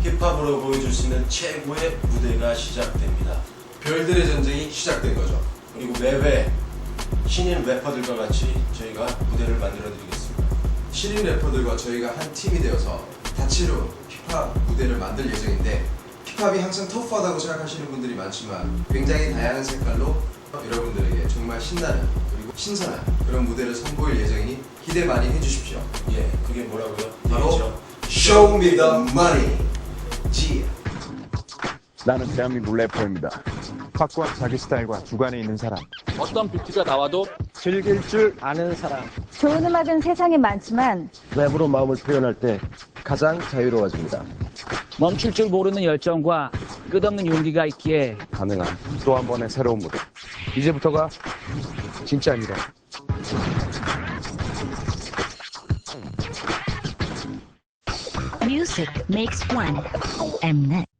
힙합으로 보여줄 수 있는 최고의 무대가 시작됩니다. 별들의 전쟁이 시작된 거죠. 그리고 매회 신인 래퍼들과 같이 저희가 무대를 만들어 드리겠습니다. 신인 래퍼들과 저희가 한 팀이 되어서 다채로운 힙합 무대를 만들 예정인데, 힙합이 항상 터프하다고 생각하시는 분들이 많지만 굉장히 다양한 색깔로 여러분들에게 정말 신나는 그리고 신선한 그런 무대를 선보일 예정이니 기대 많이 해주십시오. 예, 그게 뭐라고요? 바로 얘기죠? Show me the money. G. 나는 대한민국 래퍼입니다. 확고한 자기 스타일과 주관에 있는 사람. 어떤 비트가 나와도 즐길 줄 아는 사람. 좋은 음악은 세상에 많지만 랩으로 마음을 표현할 때 가장 자유로워집니다. 멈출 줄 모르는 열정과 끝없는 용기가 있기에 가능한 또 한 번의 새로운 무대. 이제부터가 진짜입니다. Music makes one. Mnet.